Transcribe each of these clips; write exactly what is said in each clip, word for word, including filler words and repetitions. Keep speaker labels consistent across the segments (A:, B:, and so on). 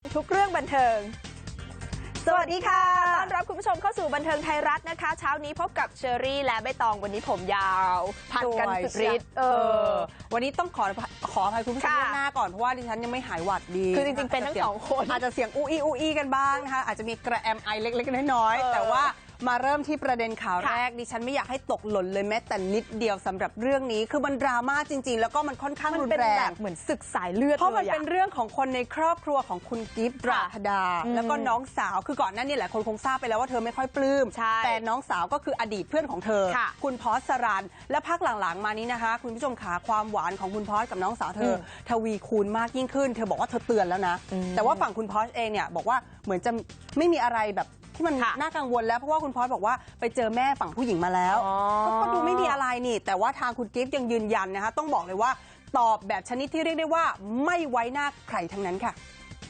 A: ทุกเรื่องบันเทิงสวัสดีค่ะต้อนรับคุณผู้ชมเข้าสู่บันเทิงไทยรัฐนะคะเช้านี้พบกับเชอรี่และใบตองวันนี้ผมยาวพันกันสุดฤทธิ์เออ
B: วันนี้ต้องขอขออภัยคุณผู้ชมล่วงหน้าก่อนเพราะว่าดิฉันยังไม่หายหวัดดี
A: คือจริงๆเป็นทั้งสองคน
B: อาจจะเสียงอู้อี้อู้อี้กันบ้างนะคะอาจจะมีกระแอมไอเล็กๆน้อยๆแต่ว่ามาเริ่มที่ประเด็นข่าวแรกดิฉันไม่อยากให้ตกหล่นเลยแม้แต่นิดเดียวสำหรับเรื่องนี้คือมันดราม่าจริงๆแล้วก็มันค่อนข้างรุนแรง
A: เหมือนศึกสายเลือด
B: เพราะมันเป็นเรื่องของคนในครอบครัวของคุณกิฟต์ราธดาแล้วก็น้องสาวคือก่อนหน้านี้แหละคนคงทราบไปแล้วว่าเธอไม่ค่อยปลื้มแต่น้องสาวก็คืออดีตเพื่อนของเธอคุณพอสรันและพักหลังๆมานี้นะคะคุณผู้ชมขาความหวานของคุณพอสกับน้องสาวเธอทวีคูณมากยิ่งขึ้นเธอบอกว่าเธอเตือนแล้วนะแต่ว่าฝั่งคุณพอสเองเนี่ยบอกว่าเหมือนจะไม่มีอะไรแบบที่มันน่ากังวลแล้วเพราะว่าคุณพอสบอกว่าไปเจอแม่ฝั่งผู้หญิงมาแล้วก็ดูไม่มีอะไรนี่แต่ว่าทางคุณกิฟต์ยังยืนยันนะคะต้องบอกเลยว่าตอบแบบชนิดที่เรียกได้ว่าไม่ไว้หน้าใครทั้งนั้นค่ะ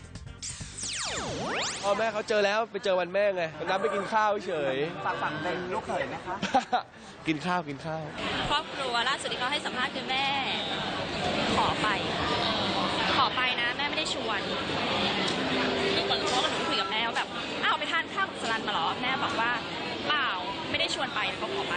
C: พ่อแม่เขาเจอแล้วไปเจอวันแม่ไงนัดไปกินข้าวเฉย
B: ฝากฝั่งเป็นลูกเขยไหมคะ
C: กินข้าวกินข้าว
D: ครอบครัวล่าสุดที่เขาให้สัมภาษณ์คือแม่ขอไปขอไปนะแม่ไม่ได้ชวนคือเหมือนเขากับหนูคุยกับแม่ว่าแบบอ้าวไปทานข้าวกับสลันมาหรอแม่บอกว่าเปล่าไม่ได้ชวนไปเขาขอไป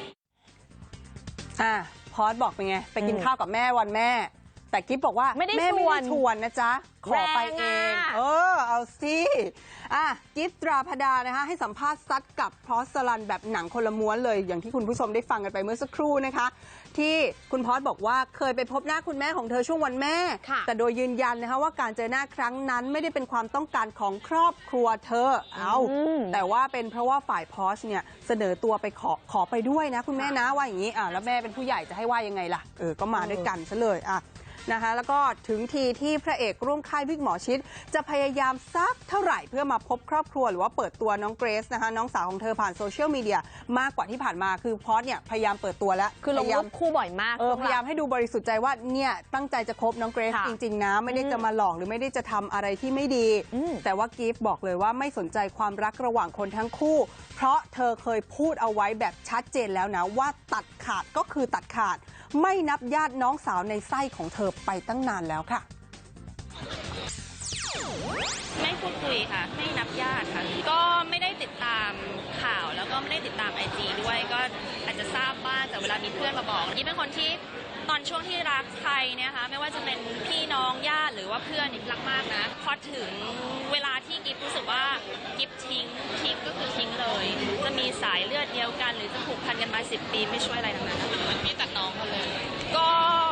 B: อ่าพอสบอกเป็นไงไปกินข้าวกับแม่วันแม่แต่กิ๊บบอกว่า
A: ไม่ได้ชวน
B: ชวนนะจ๊ะขอไปเองเออเอาสิอ่ะกิ๊บตราพดานะคะให้สัมภาษณ์ซัดกับพอสลันแบบหนังคนละม้วนเลยอย่างที่คุณผู้ชมได้ฟังกันไปเมื่อสักครู่นะคะที่คุณพอสบอกว่าเคยไปพบหน้าคุณแม่ของเธอช่วงวันแม่แต่โดยยืนยันนะคะว่าการเจอหน้าครั้งนั้นไม่ได้เป็นความต้องการของครอบครัวเธอเอาแต่ว่าเป็นเพราะว่าฝ่ายพอสเนี่ยเสนอตัวไปขอขอไปด้วยนะคุณแม่นะว่าอย่างนี้อ่ะแล้วแม่เป็นผู้ใหญ่จะให้ว่ายังไงล่ะเออก็มาด้วยกันซะเลยอ่ะนะคะแล้วก็ถึงทีที่พระเอกร่วมค่ายวิกหมอชิดจะพยายามซักเท่าไหร่เพื่อมาพบครอบครัวหรือว่าเปิดตัวน้องเกรซนะคะน้องสาวของเธอผ่านโซเชียลมีเดียมากกว่าที่ผ่านมาคือพอสเนี่ยพยายามเปิดตัวแล้ว
A: คือลงรูปคู่บ่อยมาก
B: เออพยายามให้ดูบริสุทธิ์ใจว่าเนี่ยตั้งใจจะคบน้องเกรซจริงๆนะไม่ได้จะมาหลอกหรือไม่ได้จะทำอะไรที่ไม่ดีแต่ว่ากิฟต์บอกเลยว่าไม่สนใจความรักระหว่างคนทั้งคู่เพราะเธอเคยพูดเอาไว้แบบชัดเจนแล้วนะว่าตัดขาดก็คือตัดขาดไม่นับญาติน้องสาวในไส้ของเธอไปตั้งนานแล้วค่ะ
D: ไม่พูดคุยค่ะไม่นับญาติค่ะก็ไม่ได้ติดตามข่าวแล้วก็ไม่ได้ติดตามไอจีด้วยก็อาจจะทราบบ้างแต่เวลามีเพื่อนมาบอกยิ่งเป็นคนที่ตอนช่วงที่รักใครเนี่ยค่ะไม่ว่าจะเป็นพี่น้องญาติหรือว่าเพื่อนรักมากนะพอถึงเวลาที่กิฟรู้สึกว่ากิฟทิ้งทิ้งก็คือทิ้งเลยจะมีสายเลือดเดียวกันหรือจะผูกพันกันมาสิบปีไม่ช่วยอะไรทั้งนั้นพี่ตัดน้องเขาเลยก็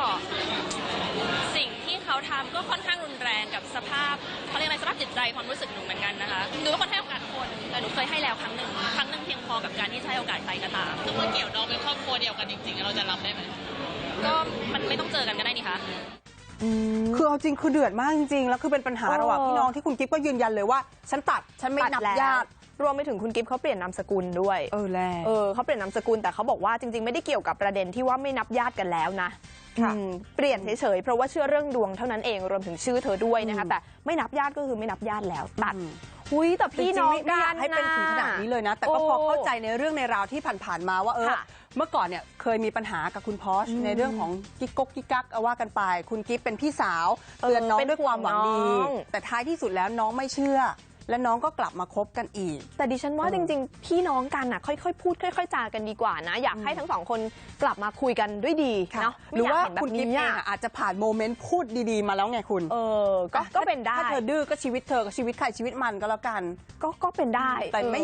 D: สิ่งที่เขาทำก็ค่อนข้างรุนแรงกับสภาพเขาเรียกอะไรสภาพจิตใจความรู้สึกหนูเหมือนกันนะคะหนูเป็นคนให้โอกาสคนแต่หนูเคยให้แล้วครั้งหนึ่งครั้งหนึ่งเพียงพอกับการที่จะให้โอกาสใครก็ตามถ้าเมื่อเกี่ยวน้องเป็นครอบครัวเดียวกันจริงๆเราจะรับได้ไหมก็มันไม่ต้องเจอกันก็ได้นี่คะ
B: คือเอาจริงคือเดือดมากจริงๆแล้วคือเป็นปัญหาระหว่างพี่น้องที่คุณกิ๊บก็ยืนยันเลยว่าฉันตัดฉันไม่นับญาติ
A: รวมไปถึงคุณกิฟต์เขาเปลี่ยนนามสกุลด้วย
B: เออแล้ว
A: เออเขาเปลี่ยนนามสกุลแต่เขาบอกว่าจริงๆไม่ได้เกี่ยวกับประเด็นที่ว่าไม่นับญาติกันแล้วนะเปลี่ยนเฉยๆเพราะว่าเชื่อเรื่องดวงเท่านั้นเองรวมถึงชื่อเธอด้วยนะคะแต่ไม่นับญาติก็คือไม่นับญาติแล้วตัดหุยแต่พี่น้องกัน
B: ให้เป็นถึงขนาดนี้เลยนะแต่ก็พอเข้าใจในเรื่องในราวที่ผ่านๆมาว่าเออเมื่อก่อนเนี่ยเคยมีปัญหากับคุณพอชในเรื่องของกิ๊กก๊กกิ๊กกักว่ากันไปคุณกิ๊บเป็นพี่สาวเตือนน้องด้วยความหวังดีแต่ท้ายที่สุดแล้วน้องไม่เชื่อและน้องก็กลับมาคบกันอีก
A: แต่ดิฉันว่าจริงๆพี่น้องกันน่ะค่อยๆพูดค่อยๆจากันดีกว่านะอยากให้ทั้งสองคนกลับมาคุยกันด้วยดีเนาะ
B: หรือว่าคุณกิ๊บเองอาจจะผ่านโมเมนต์พูดดีๆมาแล้วไงคุณ
A: เออก็ก็เป็นได้
B: ถ้าเธอดื้อก็ชีวิตเธอกับชีวิตใครชีวิตมันก็แล้วกัน
A: ก็ก็เป็นได้
B: แต่ไม่